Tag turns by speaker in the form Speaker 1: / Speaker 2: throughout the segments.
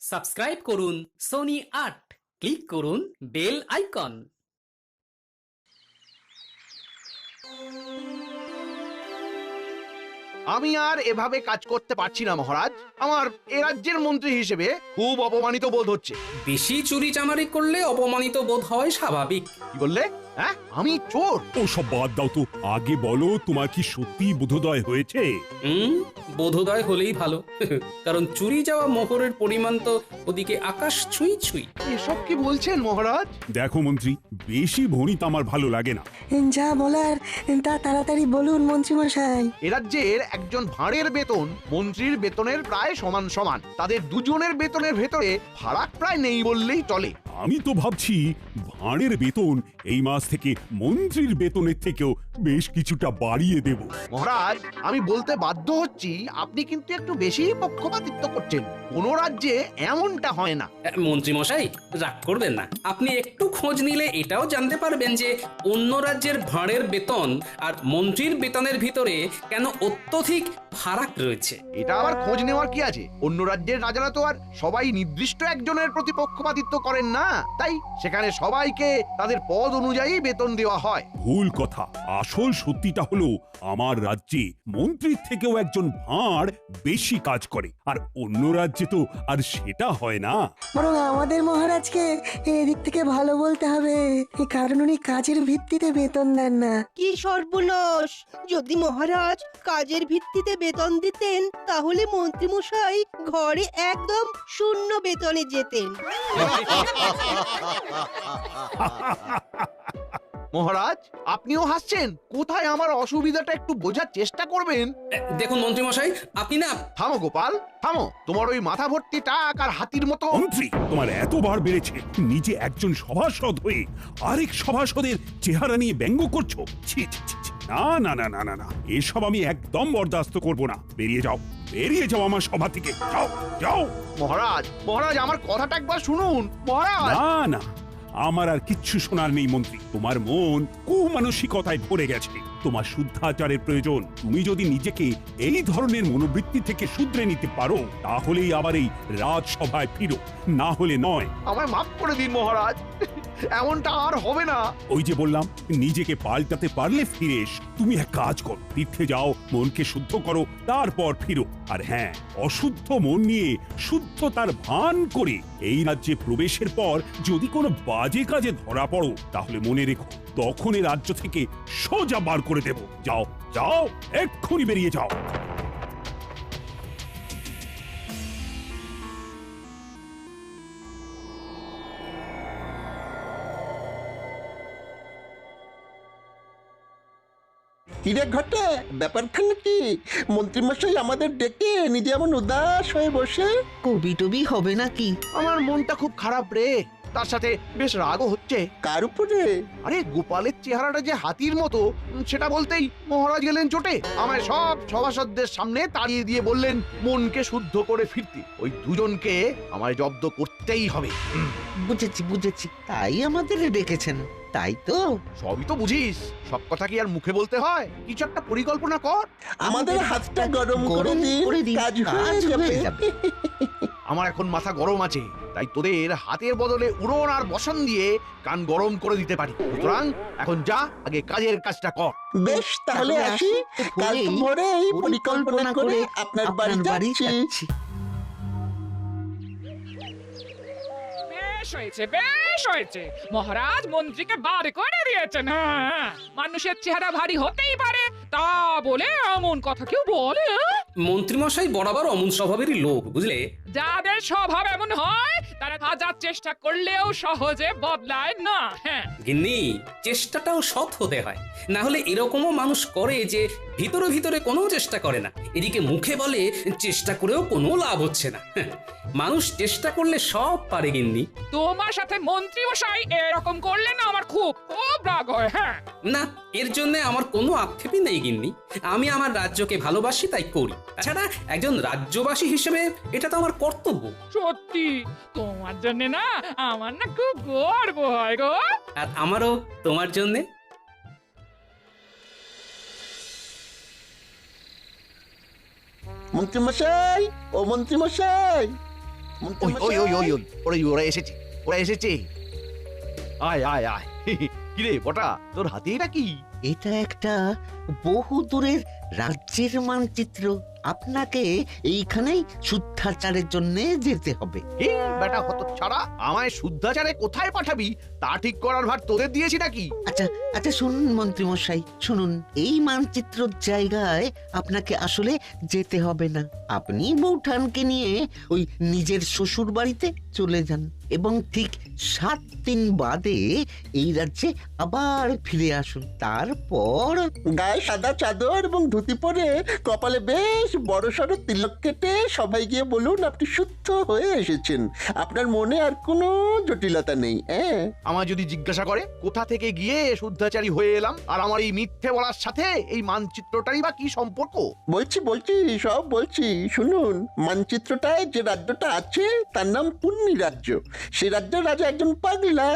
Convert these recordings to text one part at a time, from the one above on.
Speaker 1: Subscribe করুন Sony ৮, click করুন bell icon.
Speaker 2: আমি আর এভাবে কাজ করতে পারছি না মহারাজ। আমার এ রাজ্যের মন্ত্রী হিসেবে খুব অপমানিত বোধ হচ্ছে।
Speaker 1: বেশি চুরি চামারি করলে অপমানিত বোধ হয় স্বাভাবিক।
Speaker 2: কি বললে? হ্যাঁ, আমি চোর?
Speaker 3: ও সব বাদ দাও তো, আগে বলো তোমার কি সত্যি বোধোদয় হয়েছে?
Speaker 1: বোধোদয় হলেই ভালো, কারণ চুরি যাওয়া মোহরের পরিমাণ তো ওদিকে আকাশ ছুঁই ছুঁই।
Speaker 2: এসব কি বলছেন মহারাজ?
Speaker 3: দেখো মন্ত্রী, বেশি ভণিত আমার ভালো লাগে না।
Speaker 4: যা বলার তা তাড়াতাড়ি বলুন মন্ত্রীমশাই।
Speaker 2: এ রাজ্যের একজন ভাঁড়ের বেতন মন্ত্রীর বেতনের প্রায় সমান সমান। তাদের দুজনের বেতনের ভেতরে ফারাক প্রায় নেই বললেই চলে।
Speaker 3: আমি তো ভাবছি ভাঁড়ের বেতন এই মাস থেকে মন্ত্রীর বেতনের থেকেও বেশ কিছুটা বাড়িয়ে দেব।
Speaker 2: মহারাজ, আমি বলতে বাধ্য হচ্ছি, আপনি কিন্তু একটু বেশি পক্ষপাতিত্ব করছেন। কোন রাজ্যে এমনটা হয় না।
Speaker 1: মন্ত্রী মশাই, রাগ করবেন না। আপনি একটু খোঁজ নিলে এটাও জানতে পারবেন যে অন্য রাজ্যের ভাঁড়ের বেতন আর মন্ত্রীর বেতনের ভিতরে কেন অত্যধিক ফারাক রয়েছে।
Speaker 2: এটা আবার খোঁজ নেওয়ার কি আছে? অন্য রাজ্যের রাজারা তো আর সবাই নির্দিষ্ট একজনের প্রতি পক্ষপাতিত্ব করেন না, তাই সেখানে সবাইকে তাদের পদ অনুযায়ী বেতন দেওয়া হয়।
Speaker 3: ভুল কথা। আসল সত্যিটা হলো আমার রাজ্যে মন্ত্রীর থেকেও একজন ভাঁড় বেশি কাজ করে, আর অন্য রাজ্যে তো আর সেটা হয় না।
Speaker 4: বরং আমাদের মহারাজকে এদিক থেকে ভালো বলতে হবে, কারণ উনি কাজের ভিত্তিতে বেতন দেন না।
Speaker 5: কি সর্বনাশ! যদি মহারাজ কাজের ভিত্তিতে বেতন দিতেন তাহলে মন্ত্রীমশাই ঘরে একদম শূন্য বেতনে যেতেন।
Speaker 2: মহারাজ, আপনিও হাসছেন? কোথায় আমার অসুবিধাটা একটু বোঝার চেষ্টা করবেন।
Speaker 1: দেখুন মন্ত্রী মশাই, আপনি না।
Speaker 2: থামো গোপাল, থামো। তোমার ওই মাথা ভর্তি টাক আর হাতির মতো।
Speaker 3: মন্ত্রী, তোমার এতবার বেড়েছে, নিজে একজন সভাসদ হয়ে আরেক সভাসদের চেহারা নিয়ে ব্যঙ্গ করছো। ছি ছি ছি ছি। না না না না না না, এসব আমি একদম বরদাস্ত করব না। বেরিয়ে যাও, বেরিয়ে যাও আমার সভা থেকে। যাও যাও।
Speaker 2: মহারাজ, মহারাজ, আমার কথাটা একবার শুনুন মহারাজ।
Speaker 3: না না, আমার আর কিচ্ছু শোনার নেই মন্ত্রী। তোমার মন কুমানসিকতায় ভরে গেছে। তোমার শুদ্ধাচারের প্রয়োজন। তুমি যদি নিজেকে এই ধরনের মনোবৃত্তি থেকে শুধরে নিতে পারো, তাহলেই আবার এই রাজসভায় ফিরো, না হলে নয়।
Speaker 2: আমায় মাফ করে দিন মহারাজ, এমনটা আর হবে না।
Speaker 3: ওই যে বললাম, নিজেকে পাল্টাতে পারলে ফিরে এসো। তুমি এক কাজ করো, তীর্থে যাও, মনকে শুদ্ধ করো, তারপর ফিরো। আর হ্যাঁ, অশুদ্ধ মন নিয়ে শুদ্ধতার ভান করে এই রাজ্যে প্রবেশের পর যদি কোনো বাজে কাজে ধরা পড়ো, তাহলে মনে রেখো, তখন এই রাজ্য থেকে সোজা বার করে দেব। যাও যাও, এক্ষুনি বেরিয়ে যাও।
Speaker 6: কিরে ঘটে, ব্যাপারখানে কি? মন্ত্রীমশাই আমাদের ডেকে নিজে এমন উদাস হয়ে বসে।
Speaker 5: কবি টবি হবে নাকি?
Speaker 2: আমার মনটা খুব খারাপ রে, তার সাথে বেশ রাগও হচ্ছে।
Speaker 6: কার উপরে?
Speaker 2: আরে গোপালের চেহারাটা যে হাতির মতো, সেটা বলতেই মহারাজ গেলেন চোটে। আমায় সব সভাসদদের সামনে তাড়িয়ে দিয়ে বললেন মনকে শুদ্ধ করে ফিরতে। ওই দুজনকে আমায় জব্দ করতেই হবে।
Speaker 7: বুঝেছি বুঝেছি, তাই আমাদের ডেকেছেন, তাই তো?
Speaker 2: সবই তো বুঝিস, সব কথা কি আর মুখে বলতে হয়? কিছু একটা পরিকল্পনা কর।
Speaker 6: আমাদের হাতটা গরম করে দিন, কাজ হয়ে যাবে।
Speaker 2: আমার এখন মাথা গরম আছে, তাই তোদের হাতের বদলে উড়ন আর বসন দিয়ে কান গরম করে দিতে পারি। সুতরাং এখন যা, আগে কাজের কাজটা কর।
Speaker 6: বেশ, তাহলে আসি। কাল ভোরে এই পরিকল্পনা করে আপনার বাড়ি যাচ্ছি।
Speaker 8: বেশ হয়েছে, বেশ হয়েছে। মহারাজ মন্ত্রীকে বার করে দিয়েছেন। হ্যাঁ, মানুষের চেহারা ভারী হতেই পারে, তা বলে এমন কথা কেউ বলে?
Speaker 1: মন্ত্রী মশাই বরাবর অমন স্বভাবেরই লোক, বুঝলে।
Speaker 8: যাদের স্বভাব এমন হয় তারা হাজার চেষ্টা করলেও সহজে বদলায় না। হ্যাঁ,
Speaker 1: গিন্নি, চেষ্টাটাও সৎ হতে হয়, না হলে এরকমও মানুষ করে যে ভিতরে ভিতরে কোনো চেষ্টা করে না, এদিকে মুখে বলে চেষ্টা করেও কোনো লাভ হচ্ছে না। মানুষ চেষ্টা করলে সব পারে গিন্নি।
Speaker 8: তোমার সাথে মন্ত্রী মশাই এরকম করলে না আমার খুব খুব রাগ হয়। হ্যাঁ
Speaker 1: না, এর জন্য আমার কোনো আক্ষেপই নেই গিন্নি। আমি আমার রাজ্যকে ভালোবাসি, তাই করি। তাছাড়া একজন রাজ্যবাসী হিসেবে এটা তো আমার কর্তব্য।
Speaker 8: সত্যি, তোমার জন্য না আমার না খুব গর্ব হয় গো।
Speaker 1: আর আমারও তোমার জন্যে।
Speaker 6: মন্ত্রীমশাই, ও মন্ত্রীমশাই,
Speaker 2: ওই ওই ওই ওই
Speaker 6: মন্ত্রীমশাই,
Speaker 2: ওরা ওরা এসেছে আয় আয় আয় কিরে বটা তোর হাতে এটা কি?
Speaker 7: এটা একটা বহু দূরের রাজ্যের মানচিত্র। আপনাকে এইখানেই শুদ্ধাচারের জন্য যেতে হবে।
Speaker 2: এ বেটা হতচ্ছাড়া, আমায় শুদ্ধাচারে কোথায় পাঠাবি তা ঠিক করার ভার তোদের দিয়েছি নাকি?
Speaker 7: আচ্ছা আচ্ছা, শুনুন মন্ত্রীমশাই, শুনুন। এই মানচিত্রর জায়গায় আপনাকে আসলে যেতে হবে না। আপনি বৌঠানকে নিয়ে ওই নিজের শ্বশুর বাড়িতে চলে যান এবং ঠিক 7 দিন বাদে এই রাজ্যে আবার ফিরে আসুন। তারপর
Speaker 6: গায়ে সাদা চাদর এবং ধুতি পরে কপালে বেশ বড় সড়ো তিলক কেটে সবাই গিয়ে বলুন আপনি শুদ্ধ হয়ে এসেছেন। আপনার মনে আর কোনো জটিলতা নেই। হ্যাঁ,
Speaker 2: আমায় যদি জিজ্ঞাসা করে কোথা থেকে গিয়ে শুদ্ধাচারী হয়ে এলাম, আর আমার এই মিথ্যে বলার সাথে এই মানচিত্রটারই বা কি সম্পর্ক?
Speaker 6: বলছি সব বলছি, শুনুন। মানচিত্রটায় যে রাজ্যটা আছে তার নাম পুণ্যি রাজ্য। সে রাজ্যের রাজা একজন পাগলা,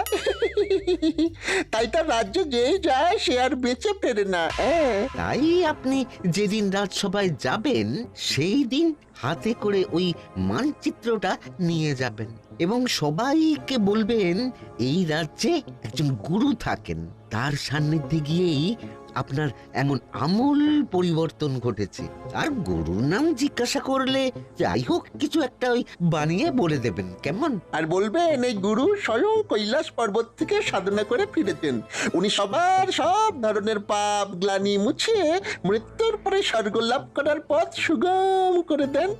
Speaker 6: তাই তার রাজ্যে যে যায় সে আর বেঁচে ফেরে না। হ্যাঁ,
Speaker 7: তাই আপনি যেদিন রাজসভায় যাবেন সেই দিন হাতে করে ওই মানচিত্রটা নিয়ে যাবেন এবং সবাইকে বলবেন এই রাজ্যে একজন গুরু থাকেন, তার সান্নিধ্যে গিয়েই আপনার এমন আমূল পরিবর্তন ঘটেছে। আর গুরুর নাম জিজ্ঞাসা করলে যাই হোক কিছু একটা ওই বানিয়ে বলে দেবেন, কেমন?
Speaker 6: আর বলবেন এই গুরু স্বয়ং কৈলাস পর্বত থেকে সাধনা করে ফিরেছেন। উনি সবার সব ধরনের পাপ গ্লানি মুছিয়ে মৃত্যুর পরে স্বর্গ লাভ করার পথ সুগম করে দেন।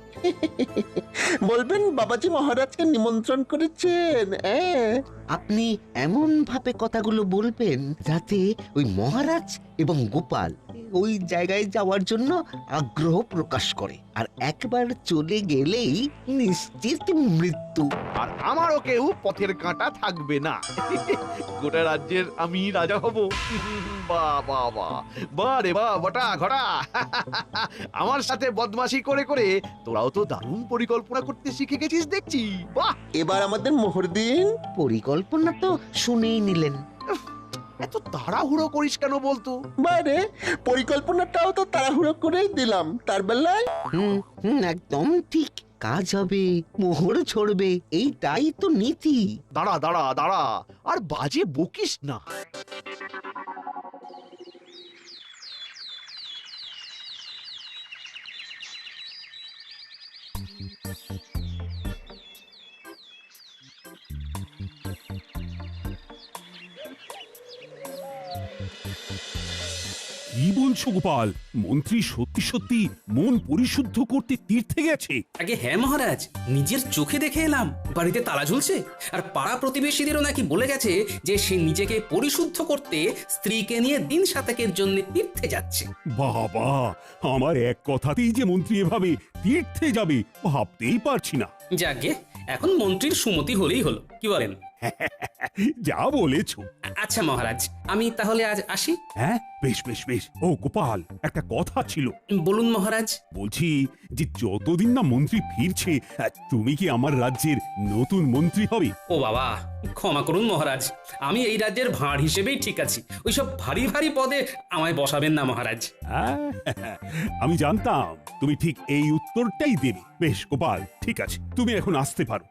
Speaker 6: বলবেন বাবাজি মহারাজকে নিমন্ত্রণ করেছেন।
Speaker 7: আপনি এমন ভাবে কথাগুলো বলবেন যাতে ওই মহারাজ এবং গোপাল ওই জায়গায় যাওয়ার জন্য আগ্রহ প্রকাশ করে, আর একবার চলে গেলেই নিশ্চিত মৃত্যু।
Speaker 2: আর আমারও কেউ পথের কাঁটা থাকবে না। গোটা রাজ্যের আমি রাজা হব। বাহ বাহ বাহ, বাহ রে বাহ বটা ঘটা। আমার সাথে বদমাশি করে করে তোরাও তো দারুণ পরিকল্পনা করতে শিখে গেছিস দেখছি। বাহ,
Speaker 6: এবার আমাদের মোহর দিন।
Speaker 7: পরিকল্পনা তো শুনেই নিলেন।
Speaker 2: এত তাড়াহুড়ো করিস কেন বলতো?
Speaker 6: বাইরে পরিকল্পনাটাও তো তাড়াহুড়ো করেই দিলাম তার বেলায়।
Speaker 7: একদম ঠিক। কাজ হবে, মোহর ছড়বে, এইটাই তো নীতি।
Speaker 2: দাঁড়া দাঁড়া দাঁড়া, আর বাজে বকিস না।
Speaker 3: কি বলছো গোপাল? মন্ত্রী সত্যি সত্যি মন পরিশুদ্ধ করতে তীর্থে গেছে?
Speaker 1: আগে হ্যাঁ মহারাজ, নিজের চোখে দেখে এলাম। বাড়িতে তালা ঝুলছে, আর পাড়া প্রতিবেশীদেরও নাকি বলে গেছে যে সে নিজেকে পরিশুদ্ধ করতে স্ত্রীকে নিয়ে দিন সাতেকের জন্য তীর্থে যাচ্ছে।
Speaker 3: বাবা, আমার এক কথাতেই যে মন্ত্রী এভাবে তীর্থে যাবে ভাবতেই পারছি না।
Speaker 1: যাকে এখন মন্ত্রীর সুমতি হলেই হলো, কি বলেন?
Speaker 3: যা বলেছ।
Speaker 1: আচ্ছা মহারাজ, আমি তাহলে আজ আসি।
Speaker 3: হ্যাঁ, বেশ বেশ বেশ। ও গোপাল, একটা কথা ছিল।
Speaker 1: বলুন মহারাজ।
Speaker 3: বলছি যে যতদিন না মন্ত্রী ফিরছে তুমি কি আমার রাজ্যের নতুন মন্ত্রী হবে?
Speaker 1: ও বাবা, ক্ষমা করুন মহারাজ, আমি এই রাজ্যের ভাঁড় হিসেবেই ঠিক আছি। ওইসব ভারী ভারী পদে আমায় বসাবেন না মহারাজ।
Speaker 3: আমি জানতাম তুমি ঠিক এই উত্তরটাই দেবে। বেশ গোপাল, ঠিক আছে, তুমি এখন আসতে পারো।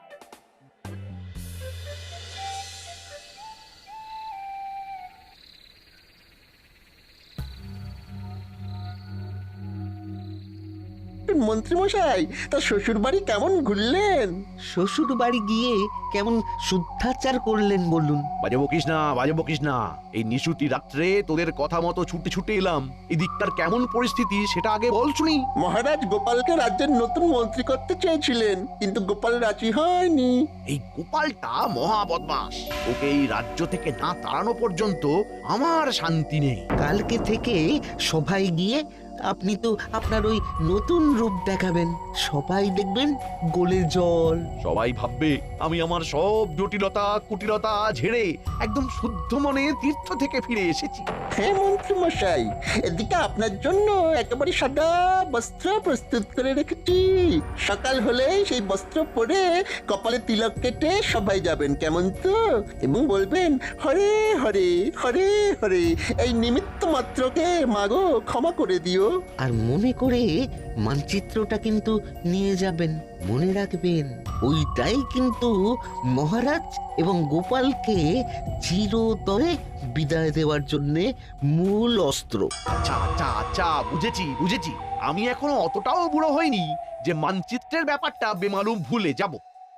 Speaker 6: মন্ত্রীমশাই, তার শ্বশুর বাড়ি কেমন ঘুরলেন?
Speaker 7: শ্বশুর বাড়ি গিয়ে কেমন শুদ্ধাচার করলেন বলুন?
Speaker 2: বাজে বকিস না, বাজে বকিস না। এই নিশুতি রাত্রে তোদের কথা মতো ছুটে ছুটে এলাম। এদিকটার কেমন পরিস্থিতি সেটা আগে বল শুনি।
Speaker 6: মহারাজ গোপালকে রাজ্যের নতুন মন্ত্রী করতে চেয়েছিলেন, কিন্তু গোপাল রাজি হয়নি।
Speaker 2: এই গোপালটা মহা বদমাস। ওকে এই রাজ্য থেকে না তাড়ানো পর্যন্ত আমার শান্তি নেই।
Speaker 7: কালকে থেকে সবাই গিয়ে আপনি তো আপনার ওই নতুন রূপ দেখাবেন, সবাই দেখবেন গোলে জল।
Speaker 2: সবাই ভাববে আমি আমার সব জটিলতা কুটিলতা ঝেড়ে একদম শুদ্ধ মনে তীর্থ থেকে ফিরে এসেছি।
Speaker 6: হ্যাঁ মন্ত্রীমশাই, এদিকে আপনার জন্য একেবারে সাদা বস্ত্র প্রস্তুত করে রেখেছি। সকাল হলে সেই বস্ত্র পরে কপালে তিলক কেটে সবাই যাবেন, কেমন তো? এবং বলবেন হরে হরে হরে হরে, এই নিমিত্ত মাত্রকে মাগো ক্ষমা করে দিও।
Speaker 7: আর মনে করে মানচিত্রটা কিন্তু নিয়ে যাবেন। মনে রাখবেন, ওইটাই কিন্তু মহারাজ এবং গোপালকে চিরতরে বিদায় দেওয়ার জন্যে মূল অস্ত্র।
Speaker 2: আচ্ছা আচ্ছা আচ্ছা, বুঝেছি বুঝেছি। আমি এখনো অতটাও বুড়ো হইনি যে মানচিত্রের ব্যাপারটা বেমালুম ভুলে যাব।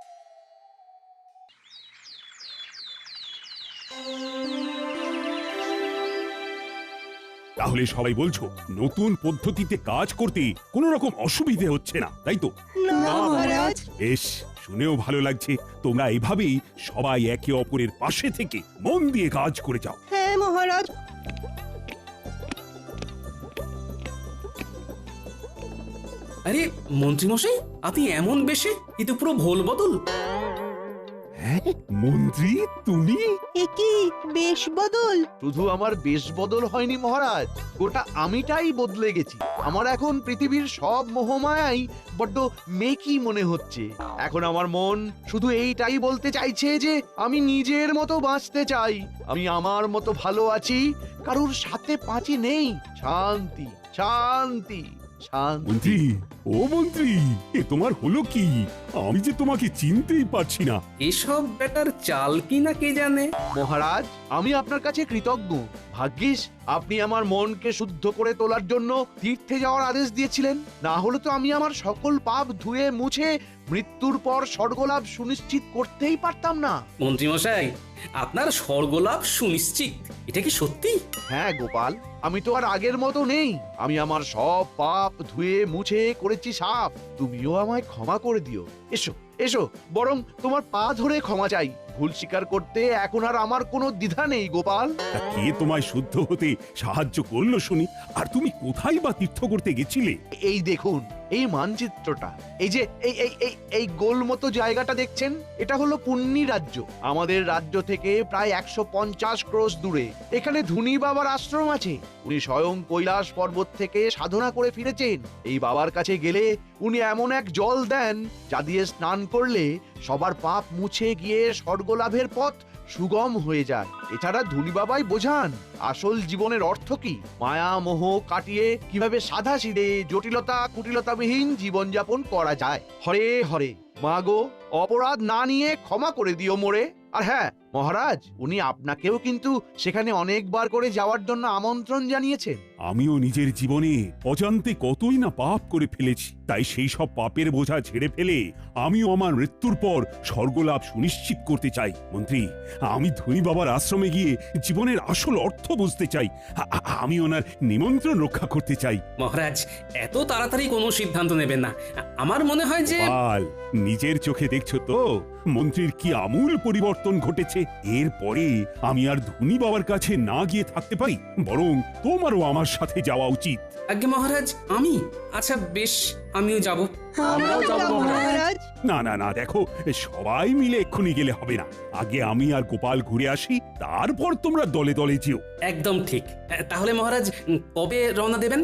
Speaker 3: তাহলে সবাই বলছো নতুন পদ্ধতিতে কাজ করতে কোনো রকম অসুবিধে হচ্ছে না, তাই তো?
Speaker 5: না মহারাজ।
Speaker 3: বেশ, শুনেও ভালো লাগছে। তোমরা এভাবেই সবাই একে অপরের পাশে থেকে মন দিয়ে কাজ করে যাও।
Speaker 5: হ্যাঁ মহারাজ।
Speaker 1: আরে মন্ত্রীমশাই, আপনি এমন বেশে, কিন্তু পুরো ভোল বদল।
Speaker 3: হ্যাঁ মন্ত্রী, তুমি?
Speaker 5: এ কি বেশ বদল?
Speaker 2: শুধু আমার বেশ বদল হয়নি মহারাজ, গোটা আমিটাই বদলে গেছি। আমার এখন পৃথিবীর সব মোহমায়াই বড্ড মেকি মনে হচ্ছে। এখন আমার মন শুধু এইটাই বলতে চাইছে যে আমি নিজের মতো বাঁচতে চাই, আমি আমার মতো ভালো আছি, কারুর সাথে পাঁচি নেই। শান্তি শান্তি শান্তি।
Speaker 3: মন্ত্রী, ও মন্ত্রী, এ তোমার হলো কি? আমি যে তোমাকে চিনতেই পারছি না।
Speaker 1: এসব ব্যাটার চাল কি না কে জানে।
Speaker 2: মহারাজ, আমি আপনার কাছে কৃতজ্ঞ। ভাগ্যিস আপনি আমার মনকে শুদ্ধ করে তোলার জন্য তীর্থে যাওয়ার আদেশ দিয়েছিলেন, না হলে তো আমি আমার সকল পাপ ধুয়ে মুছে মৃত্যুর পর স্বর্গলাভ সুনিশ্চিত করতেই পারতাম না।
Speaker 1: মন্ত্রীমশাই, আপনার স্বর্গলাভ সুনিশ্চিত, এটা কি সত্যি?
Speaker 2: হ্যাঁ গোপাল, আমি তো আর আগের মতো নেই। আমি আমার সব পাপ ধুয়ে মুছে করেছি সাফ। তুমিও আমায় ক্ষমা করে দিও। এসো এসো, বরং তোমার পা ধরে ক্ষমা চাই। ভুল স্বীকার করতে এখন আর আমার কোনো দ্বিধা নেই গোপাল।
Speaker 3: তা কে তোমায় শুদ্ধ হতে সাহায্য করলো শুনি? আর তুমি কোথায় বা তীর্থ করতে গেছিলে?
Speaker 2: এই দেখুন এই মানচিত্রটা, এই যে এই এই এই এই গোল মতো জায়গাটা দেখছেন, এটা হলো পুণ্যি রাজ্য। আমাদের রাজ্য থেকে প্রায় 150 ক্রোশ দূরে এখানে ধুনি বাবার আশ্রম আছে। উনি স্বয়ং কৈলাস পর্বত থেকে সাধনা করে ফিরেছেন। এই বাবার কাছে গেলে উনি এমন এক জল দেন যা দিয়ে স্নান করলে সবার পাপ মুছে গিয়ে স্বর্গলাভের পথ সুগম হয়ে যায়। এছাড়া ধুনি বাবাই বোঝান আসল জীবনের অর্থ কি, মায়া মোহ কাটিয়ে কিভাবে সাদা সিধে জটিলতা কুটিলতাবিহীন জীবনযাপন করা যায়। হরে হরে, মা গো, অপরাধ না নিয়ে ক্ষমা করে দিও মোরে। আর হ্যাঁ মহারাজ, উনি আপনাকেও কিন্তু সেখানে অনেকবার করে যাওয়ার জন্য আমন্ত্রণ জানিয়েছেন।
Speaker 3: আমিও নিজের জীবনে অজান্তে কতই না পাপ করে ফেলেছি, তাই সেই সব পাপের বোঝা ঝেড়ে ফেলে আমিও আমার মৃত্যুর পর স্বর্গলাভ সুনিশ্চিত করতে চাই। মন্ত্রী, আমি ধনী বাবার আশ্রমে গিয়ে জীবনের আসল অর্থ বুঝতে চাই। আমি ওনার নিমন্ত্রণ রক্ষা করতে চাই।
Speaker 1: মহারাজ, এত তাড়াতাড়ি কোনো সিদ্ধান্ত নেবেন না। আমার মনে হয় যে
Speaker 3: পাল, নিজের চোখে দেখছো তো মন্ত্রীর কি আমূল পরিবর্তন ঘটেছে। এরপরে আমি আর ধনী বাবার কাছে না গিয়ে থাকতে পারি, বরং তোমারও আমার সাথে যাওয়া উচিত।
Speaker 1: আজ্ঞে মহারাজ, আমি? আচ্ছা বেশ, আমিও যাব।
Speaker 4: আমরাও যাব
Speaker 5: মহারাজ।
Speaker 3: না না না, দেখো, সবাই মিলে এক্ষুনি গেলে হবে না। আগে আমি আর গোপাল ঘুরে আসি, তারপর তোমরা দলে দলে যেও।
Speaker 1: একদম ঠিক। তাহলে মহারাজ, কবে রওনা দেবেন?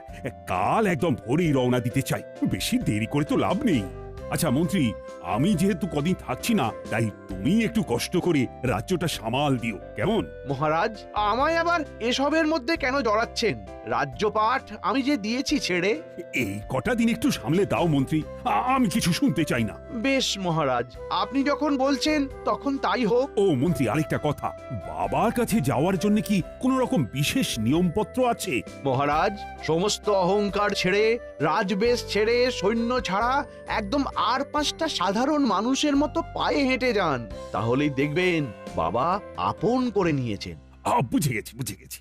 Speaker 3: কাল একদম ভোরেই রওনা দিতে চাই, বেশি দেরি করে তো লাভ নেই। আচ্ছা মন্ত্রী, আমি যেহেতু কদিন থাকছি না, তাই তুমি একটু কষ্ট করে রাজ্যটা সামাল দিও, কেমন?
Speaker 2: মহারাজ, আমায় আবার এসবের মধ্যে কেন জড়াচ্ছেন? রাজ্যপাঠ আমি যে দিয়েছি ছেড়ে।
Speaker 3: এই কটা দিন একটু সামলে দাও মন্ত্রী, আমি কিছু শুনতে চাই না।
Speaker 2: বেশ মহারাজ, আপনি যখন বলছেন তখন তাই হোক।
Speaker 3: ও মন্ত্রী, আরেকটা কথা, বাবার কাছে যাওয়ার জন্য কি কোনো রকম বিশেষ নিয়মপত্র আছে?
Speaker 2: মহারাজ, সমস্ত অহংকার ছেড়ে, রাজবেশ ছেড়ে, সৈন্য ছাড়া একদম আর 5টা সাধারণ মানুষের মতো পায়ে হেঁটে যান, তাহলেই দেখবেন বাবা আপন করে নিয়েছেন।
Speaker 3: বুঝে গেছি বুঝে গেছি।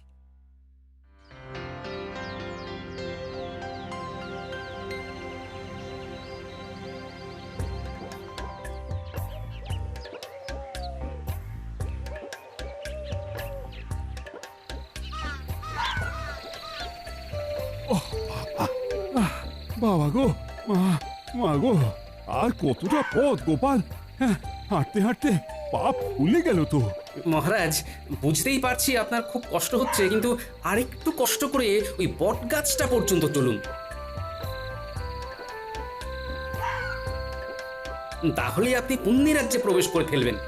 Speaker 3: বাবা গো, মা গো, আর কতটা পথ গোপাল! হ্যাঁ, হাঁটতে হাঁটতে পা ফুলে গেল তো।
Speaker 1: মহারাজ, বুঝতেই পারছি আপনার খুব কষ্ট হচ্ছে, কিন্তু আরেকটু কষ্ট করে ওই বট গাছটা পর্যন্ত চলুন, তাহলে আপনি পুণ্যি রাজ্যে প্রবেশ করে ফেলবেন।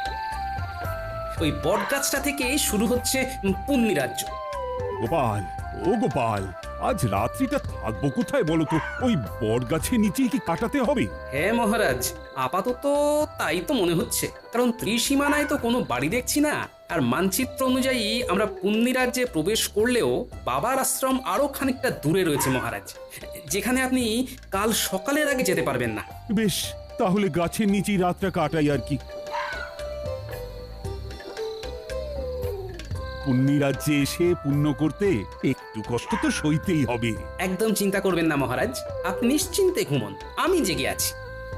Speaker 1: ওই বট গাছটা থেকে শুরু হচ্ছে পুণ্যি রাজ্য।
Speaker 3: গোপাল, ও গোপাল, আজ রাত্রিটা থাকবো কোথায় বলো তো? ওই বট গাছের নিচেই কি কাটাতে হবে?
Speaker 1: হ্যাঁ মহারাজ, আপাতত তাই তো মনে হচ্ছে, কারণ ত্রিসীমানায় তো কোনো বাড়ি দেখছি না। আর মানচিত্র অনুযায়ী আমরা পুণ্যি রাজ্যে প্রবেশ করলেও বাবার আশ্রম আরো খানিকটা দূরে রয়েছে মহারাজ, যেখানে আপনি কাল সকালের আগে যেতে পারবেন না।
Speaker 3: বেশ, তাহলে গাছের নিচেই রাতটা কাটাই আর কি। পুণ্যি রাজ্যে এসে পুণ্য করতে একটু কষ্ট তো সইতেই হবে।
Speaker 1: একদম চিন্তা করবেন না মহারাজ, আপনি নিশ্চিন্তে ঘুমন, আমি জেগে আছি।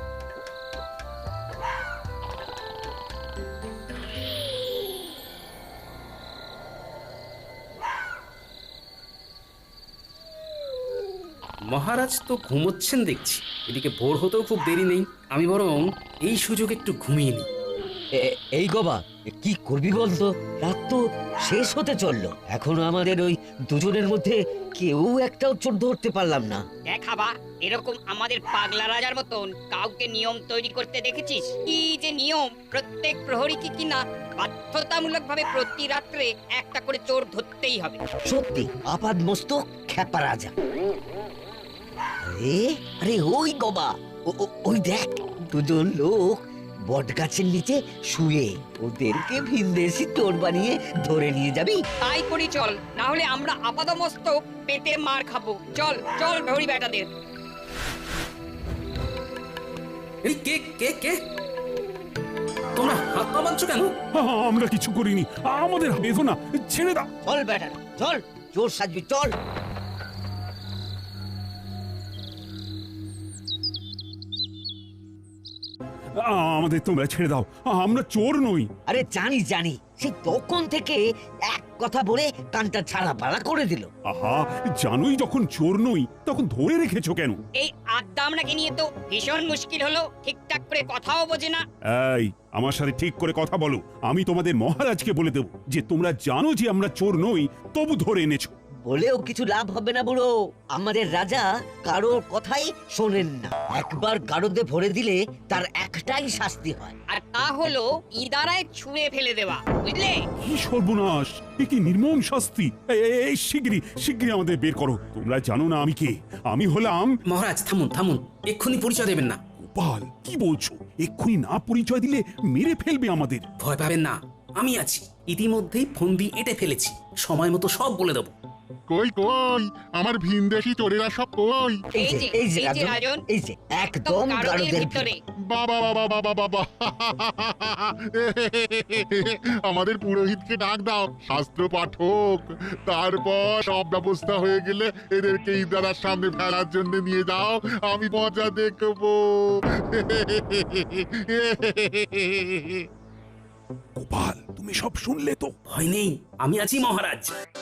Speaker 1: মহারাজ তো ঘুমোচ্ছেন দেখছি, এদিকে ভোর হতেও খুব দেরি নেই, আমি বরং এই সুযোগ একটু ঘুমিয়ে নিই।
Speaker 9: এই গবা, কি করবি বলতো? রাত তো শেষ হতে চললো, এখনো আমাদের ওই দুজনের মধ্যে কেউ একটাও চোর ধরতে পারলাম না।
Speaker 10: দেখাবা এরকম আমাদের পাগলা রাজার মতন কাউকে নিয়ম তৈরি করতে দেখেছিস? কি যে নিয়ম, প্রত্যেক প্রহরীকে কিনা বাধ্যতামূলকভাবে প্রতি রাত্রে একটা করে চোর ধরতেই হবে।
Speaker 9: সত্যি আপাদ মস্তক খ্যাপা রাজা। আরে আরে ওই গবা, ওই দেখ দুজন লোক বট গাছের নিচে শুয়ে, ওদেরকে ভিনদেশি চোর বানিয়ে ধরে নিয়ে যাবি?
Speaker 10: তাই করি চল, না হলে আমরা আপাদমস্তক পেটে মার খাবো। চল চল ভৌরি বেটাদের।
Speaker 1: এই কে কে কে তোমরা হাত পা বাঁধছো কেন?
Speaker 3: আমরা কিছু করিনি, আমাদের বেঁধো না, ছেড়ে দাও।
Speaker 9: চল বেটা চল, চোর সাজবি চল।
Speaker 3: আমাদের তোমরা ছেড়ে দাও, আমরা চোর নই।
Speaker 9: আরে জানি জানি, সে তখন থেকে এক কথা বলে কানটা ছাড়া পালা করে দিল।
Speaker 3: আহা, জানোই যখন চোর নই তখন ধরে রেখেছো কেন?
Speaker 10: এই আড্ডা আপনাকে নিয়ে তো ভীষণ মুশকিল হলো, ঠিকঠাক করে কথাও বোঝে না।
Speaker 3: এই, আমার সাথে ঠিক করে কথা বলো। আমি তোমাদের মহারাজকে বলে দেব যে তোমরা জানো যে আমরা চোর নই, তবু ধরে এনেছো।
Speaker 9: বলেও কিছু লাভ হবে না বুড়ো, আমাদের রাজা কারোর কথাই শোনেন না। একবার গারদে ভরে দিলে তার একটাই শাস্তি হয়,
Speaker 10: আর তা হলো ইদারায় ছুঁড়ে ফেলে দেওয়া, বুঝলে?
Speaker 3: কি সর্বনাশ, এ কি নির্মম শাস্তি! এই শিগগিরই আমাদের বের করো। তোমরা জানো না আমি কে? আমি হলাম...
Speaker 1: মহারাজ থামুন থামুন, এক্ষুনি পরিচয় দেবেন না।
Speaker 3: গোপাল, কি বলছো? এক্ষুনি না পরিচয় দিলে মেরে ফেলবে আমাদের।
Speaker 1: ভয় পাবেন না, আমি আছি। ইতিমধ্যেই ফন্দি এঁটে ফেলেছি, সময় মতো সব বলে দেবো।
Speaker 11: কই কই আমার ভিনদেশি চোরেরা সব কই?
Speaker 9: এই যে এই যে রাজন, এই যে একদম গারদের ভিতরে।
Speaker 11: বাবা বাবা বাবা বাবা, আমাদের পুরোহিতকে ডাক দাও, শাস্ত্র পাঠক। তারপর সব ব্যবস্থা হয়ে গেলে এদেরকে ইদারার সামনে ফেলার জন্য নিয়ে যাও, আমি মজা দেখবো।
Speaker 3: গোপাল, তুমি সব শুনলে তো?
Speaker 1: ভয় নেই, আমি আছি মহারাজ।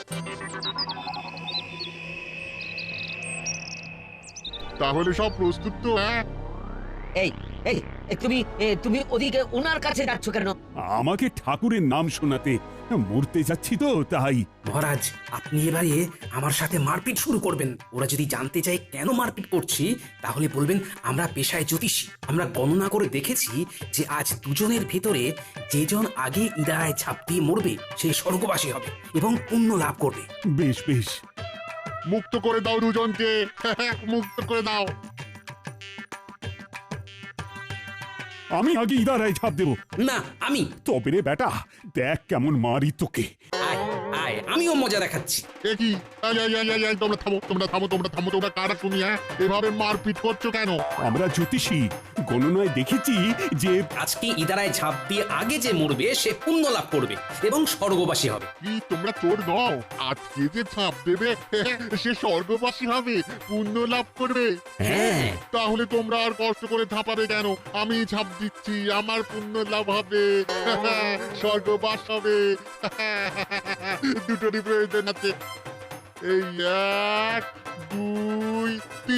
Speaker 11: তাহলে সব প্রস্তুত তো? হ্যাঁ,
Speaker 9: এই এই তুমি ওদিকে ওনার কাছে যাচ্ছ কেন?
Speaker 3: আমাকে ঠাকুরের নাম শোনাতে। মরতে যাচ্ছি তো তাই।
Speaker 1: মহারাজ, আপনি এবারে আমার সাথে মারপিট শুরু করবেন। ওরা যদি জানতে চায় কেন মারপিট করছি, তাহলে বলবেন আমরা পেশায় জ্যোতিষী। আমরা গণনা করে দেখেছি যে আজ দুজনের ভিতরে যেজন আগে ইদারায় ঝাঁপ দিয়ে মরবে সে স্বর্গবাসী হবে এবং পুণ্য লাভ করবে।
Speaker 3: বেশ বেশ,
Speaker 11: মুক্ত করে দাও দুজনকে, মুক্ত করে দাও।
Speaker 3: আমি আগে ইদারায় ঝাঁপ দেবো।
Speaker 1: না, আমি।
Speaker 3: তবে রে বেটা, দেখ কেমন মারি তোকে।
Speaker 1: আয় আয়, আমিও মজা দেখাচ্ছি।
Speaker 11: কি তোমরা থামো, তোমরা থামো, তোমরা থামো, তোমরা কারা তুমি? হ্যাঁ, এভাবে মারপিট করছো কেন?
Speaker 3: আমরা জ্যোতিষী, গণনায় দেখেছি যে
Speaker 1: আজকে ইদারায় ঝাঁপ দিয়ে আগে যে মরবে সে পুণ্য লাভ করবে এবং স্বর্গবাসী হবে।
Speaker 11: কি তোমরা চোর নও? আজকে যে ছাপ দেবে সে স্বর্গবাসী হবে, পুণ্য লাভ করবে।
Speaker 1: হ্যাঁ,
Speaker 11: তাহলে তোমরা আর কষ্ট করে ঝাঁপাবে কেন? আমি ঝাঁপ দিচ্ছি, আমার পুণ্য লাভ হবে, স্বর্গবাস হবে। দুটোরই প্রয়োজন আছে। এই 1 2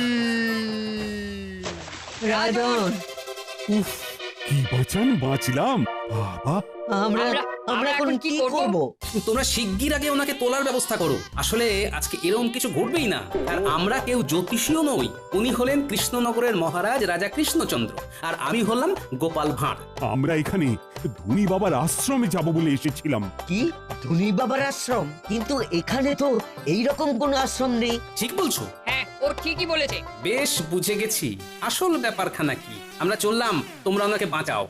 Speaker 11: 3।
Speaker 9: রাজন,
Speaker 3: উফ, কি বাঁচলাম বাবা।
Speaker 9: আমরা এখন কি করব?
Speaker 1: তোমরা শিগগির আগে ওনাকে তোলার ব্যবস্থা করো। আসলে আজকে এরকম কিছু ঘটবেই না। আর আমরা কেউ জ্যোতিষীও নই। উনি হলেন কৃষ্ণনগরের মহারাজ রাজা কৃষ্ণচন্দ্র, আর আমি হলাম গোপাল ভাঁড়।
Speaker 3: আমরা এখানে ধনী বাবার আশ্রমে যাব বলে এসেছিলাম।
Speaker 9: কি ধনী বাবার আশ্রম, কিন্তু এখানে তো এইরকম কোন আশ্রম নেই।
Speaker 1: ঠিক বলছো?
Speaker 10: হ্যাঁ ও ঠিকই বলেছে।
Speaker 1: বেশ বুঝে গেছি আসল ব্যাপারখানা কি। আমরা চললাম, তোমরা ওনাকে বাঁচাও।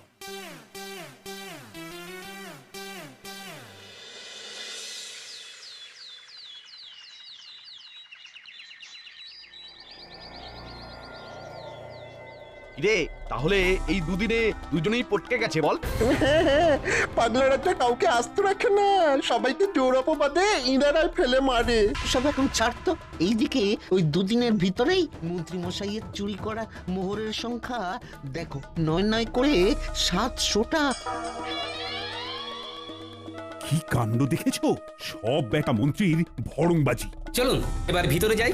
Speaker 2: রে তাহলে এই দুদিনে দুজনেই পটকে গেছে বল?
Speaker 6: পাগলা রাজা কাউকে আস্ত রাখে না, সবাইকে জোর অপবাদে ইনারাই ফেলে মারে।
Speaker 7: সব এখন ছাড়তো। এইদিকে ওই দুদিনের ভিতরেই মন্ত্রী মশাইয়ের চুরি করা মোহরের সংখ্যা দেখো, 9 করে 700টা।
Speaker 3: কি কাণ্ড দেখেছো? সব বেটা মন্ত্রীর ভড়ংবাজি।
Speaker 1: চলুন এবার ভিতরে যাই।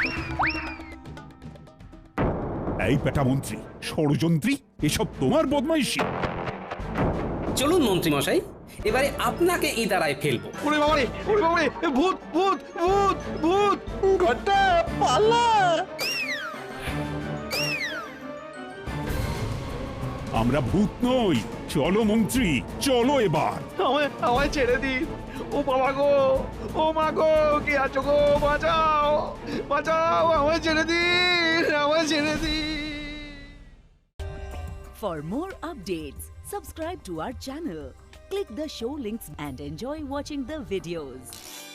Speaker 3: এই বেটা মন্ত্রী, ষড়যন্ত্রী, এসব তোমার বদমাইশি।
Speaker 1: চলুন মন্ত্রী মশাই, এবারে আপনাকে এই দাঁড়ায় ফেলবো।
Speaker 2: ওরে বাবারে, ওরে বাবারে, ভূত ভূত ভূত ভূত!
Speaker 6: ঘটা পালা!
Speaker 3: আমরা ভূত নই। চলো মন্ত্রী, চলো এবার।
Speaker 2: আমায় ছেড়ে দিন। ও বাবা গো, ও মা গো, কে আছো গো? বাঁচাও, বাঁচাও, আমায় ছেড়ে দিন, আমায় ছেড়ে দিন।
Speaker 12: For more updates, subscribe to our channel, click the show links and enjoy watching the videos.